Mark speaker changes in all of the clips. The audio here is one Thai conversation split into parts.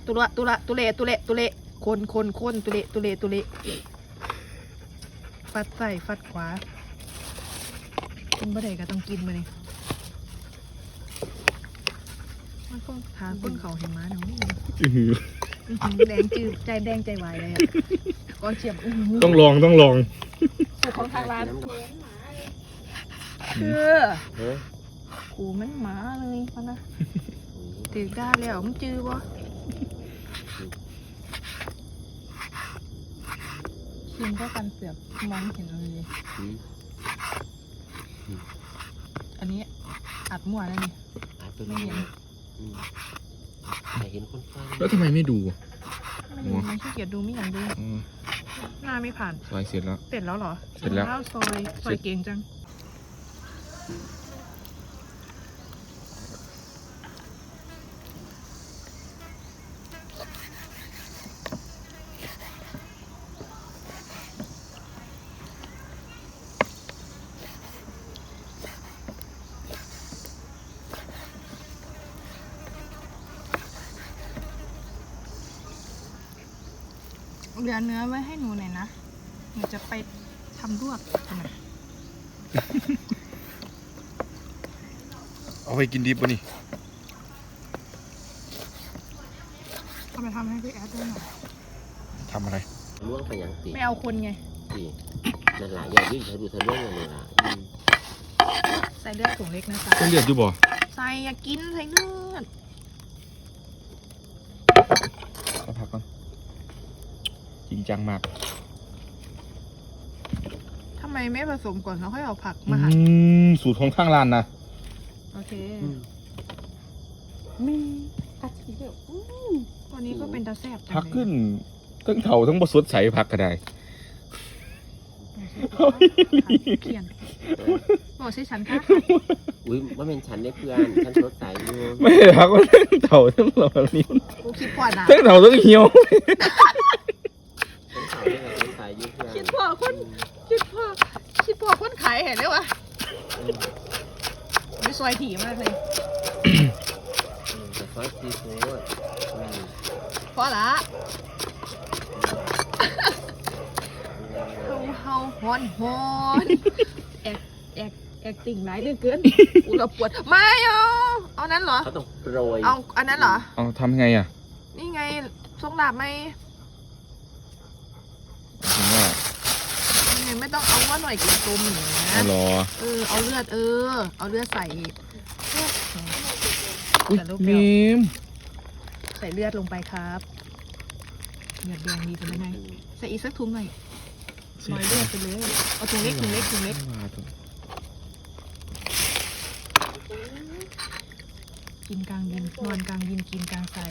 Speaker 1: ตุเละคนตุเละฟัดใส่ฟัดขวากินบ่ได้ก็ต้องกินมาเลยมันก็ทานก้นเขาเห็นม้าเนาะแดงจืดใจแดงใจวายเลยอ่ะก้อนเฉียบ
Speaker 2: ต้องลอง
Speaker 1: สูตรของทางร้านคือกูมันหมาเลยพะนะถือได้แล้วมึงจื้อวะชิมก็กันเสือกมองเห็นเลยอันนี้อัดมั่วแล้วนี่ไม่เห็น
Speaker 3: แต่เห็นคนฟัง
Speaker 2: แล้วทำไมไม่ดู
Speaker 1: มันขี้เกียจดูไม่อยากดูหน้าไม่ผ่าน
Speaker 2: ซอยเสร็จแล้ว
Speaker 1: เหรอ
Speaker 2: เสร็จแล้ว
Speaker 1: ซอยเก่งจังเหลือเนื้อไว้ให้หนูหน่อยนะหนูจะไปทำลวกทำไม
Speaker 2: เอาไปกินดิบป่ะนี่
Speaker 1: เอาไปทำให้พี่แอดด้วยหน่อย
Speaker 2: ทำอะไร
Speaker 3: ล่วงไปอย่างตี
Speaker 1: ไม่เอาคนไง
Speaker 3: ตีนั่นแหละอย่ายืดเธอดูเธอล่วงเลยล่ะ
Speaker 1: ใส่เลือดถุงเล็กนะจ๊ะ
Speaker 2: เส้นเลือดอยู่บ่
Speaker 1: ใส่อย่ากินใส่เลือด
Speaker 2: เอาผักก่อนจริงจังมาก
Speaker 1: ทำไมไม่ผสมก่อนแล้วค่อยเอาผักมาหั่น
Speaker 2: สูตรของข้างร้านนะ
Speaker 1: โอเคมีกระเทียมวันนี้ก็เป็นตาแซ่บ
Speaker 2: ผักขึ้นทั้งเถาทั้งบดสดใสผักก็ได้
Speaker 1: เขียนบอกใช่ฉันค่ะ
Speaker 3: อุ้ยว่าเป็นฉันได้เพื่อนฉันสดใสอยู่
Speaker 2: ไม่ผักว่าทั้งเถาทั้งหล่อนี้
Speaker 1: กูคิดพอนะ
Speaker 2: ทั้งเถาทั้งเหี่ยว
Speaker 1: คิดพอคนขายเห็นไหมวะไม่ซอยถี่มากเลย
Speaker 3: ซอยซีฟู้ด
Speaker 1: พอละเฮาฮอนแอกติ่งไหลเกินอุระปวดไม่เอานั้นเหรอ
Speaker 3: เขาต้องโรย
Speaker 1: เอาอันนั้นเหรอ
Speaker 2: เอาทำไงอ่ะ
Speaker 1: นี่ไงทรงดาบไหมไม่ต้องเอาว่าหน่อยกินต้มอย่างนี้นะเอาเลือดเอาเลือดใส่
Speaker 2: มีม
Speaker 1: ใส่เลือดลงไปครับเลือดแดงดีเป็นยังไงใส่อีกสักถุงหน่อยลอยเลือดไปเลยเอาถุงเล็กกินกลางยินนอนกลางยินกินกลางใส่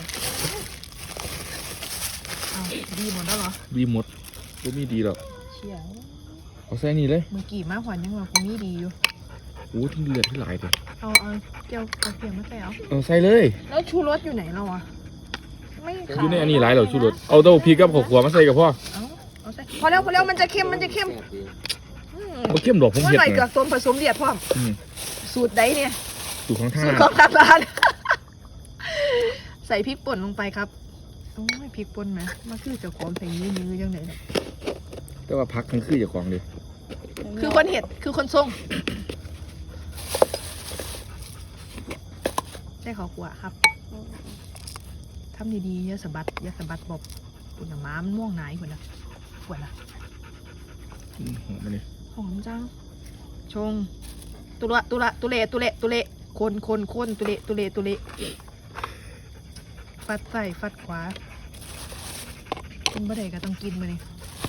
Speaker 1: เอาดีหมดแล้วเหรอ
Speaker 2: ดีหมดก็มีดีหรอก
Speaker 1: เชี่ย
Speaker 2: เอาใส่นี่เลย
Speaker 1: มือกี่มาหวานยังว่ากูมีดีอยู่
Speaker 2: โอ้ที่เลือดที่ไหลเลย
Speaker 1: เอาเกี่ยวเอาเกี่ยวมาใส่
Speaker 2: เอาใส่เลย
Speaker 1: แล้วชูรสอยู่ไหนเราอ่ะไม่
Speaker 2: อยู่ในอันนี้หลายเหรอชูรสเอาเต้าพริกกับข้าวคั่วมาใส่กับพ่อ
Speaker 1: เอาใส่พอแล้วมันจะเค็มมันเข้
Speaker 2: มดอกผมเผ็ด
Speaker 1: หน่อยเกลือต้มผสมเดือดพ่อสูตรใดเนี่ย
Speaker 2: สูตรของท
Speaker 1: างร้านใส่พริกป่นลงไปครับโอ้ยพริกป่นไหมมันคือจะของใส่ยื้อยังไง
Speaker 2: แต่ว่าพักทั้งคือจะของดิ
Speaker 1: คือคนเห็ดคือคนทรงใช่ขอขวาครับทำดีๆอย่าสะบัดบอกปุ่นม้ามันม่วงไหนคนนะหอ
Speaker 2: มมาดิ
Speaker 1: หอมจังชงตุเละคนตุเละฟัดใส่ฟัดขวากินบ่ได้ก็ต้องกินมาเลย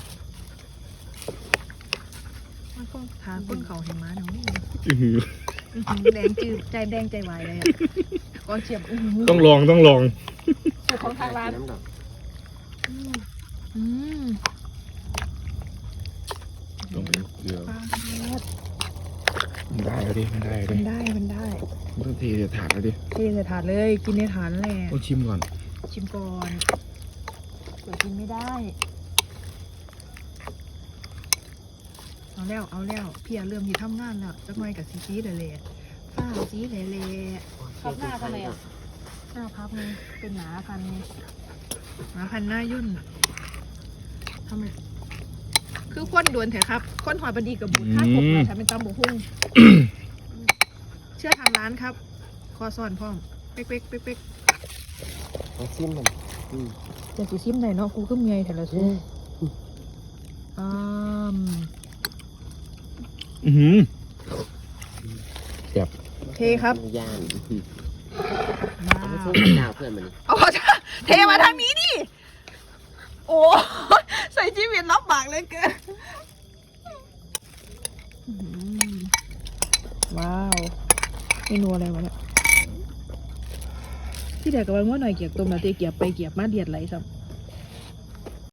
Speaker 1: มันก็ทานก้นเขาเห็นม้าเนาะแดงจืดใจแดงใจวายเลยอ่ะก้อนเฉียบ
Speaker 2: ต้องลอง
Speaker 1: สูตรของทางร้าน
Speaker 2: ต้องเป็นเกลือมันได้แล้วดิมันได้มันต้องเทใส่ถาดแล้วดิ
Speaker 1: เทใส่ถาดเลยกินในถาดแหละ
Speaker 2: ต้องชิมก่อน
Speaker 1: เดี๋ยวกินไม่ได้เอาแล้วพี่เริ่มที่ทำงานแล้วจะไม่กับซีเลยฝ้าซีเลยพับหน้ากันเลยอ่ะหน้าพับเลยเป็นหนากันหมาพันหน้ายุ่นอะทำไมคือค้นดวนเถอะครับค้นหอยบดีกับบูดถ้าผมเลยทำเป็นตำบกหุ่ง เชื่อทางร้านครับ คอซ่อนพ่อมเป๊กเป๊กเป๊กเป๊ก
Speaker 3: เอาซิมมันอืม
Speaker 1: จะสิซิมไหนเนาะกูก็เมียแต่ละซูอืม
Speaker 2: แซ่บ
Speaker 1: เทครับ
Speaker 3: ย่าน
Speaker 1: ว้า
Speaker 3: เอามา
Speaker 1: ว
Speaker 3: ส่งดาวเพื่อนมันนี่
Speaker 1: เอาเทมาทางนี้ดิโอ้ใส่ชีวิตรับบากเลยเกินว้าวเมนูอะไรวะเนี่ยที่เด็กกับวันว่าหน่อยเกียบต้มแล้วเตะเกียบไปเกียบมาเดียดไหลซ้ำ